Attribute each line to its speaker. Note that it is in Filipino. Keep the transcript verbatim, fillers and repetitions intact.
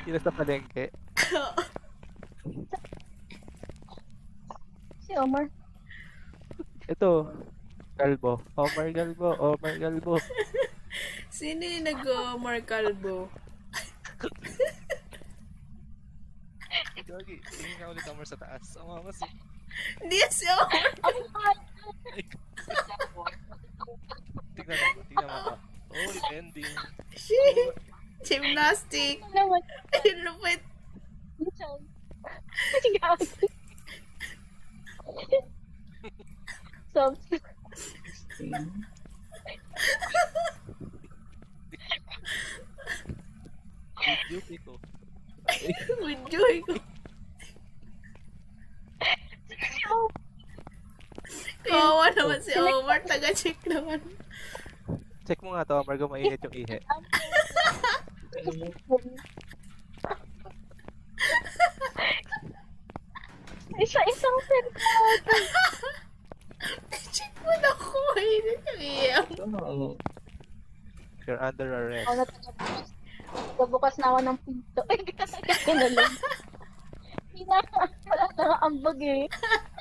Speaker 1: Sino sa palengke?
Speaker 2: Si Omar.
Speaker 1: Ito. Galbo. Omar Galbo. Omar Galbo.
Speaker 3: Sino yung nag-Omar Calvo?
Speaker 4: Gagi, tingin ka ulit Omar sa taas. Ang mama si...
Speaker 3: Hindi yan si Omar.
Speaker 4: Tingnan mo, tingnan mo ako. Oh, ending.
Speaker 3: Shit. Gymnastic.
Speaker 2: Naman.
Speaker 3: Ayun, lupit.
Speaker 2: Minsan. Gago. So,
Speaker 4: Video ko.
Speaker 3: Enjoy ko. Kawawa naman si Omar. Taga-check naman.
Speaker 1: Check mo nga to, Omar, kung mainit yung ihe.
Speaker 2: isa-isang sentence.
Speaker 3: Check mo na ko. Mainit yung iyang.
Speaker 1: You're under arrest.
Speaker 2: Ako na tagabukas. Tagabukas na ako ng pinto. Ay, gano'n lang. Hindi na, wala na nga ambag eh.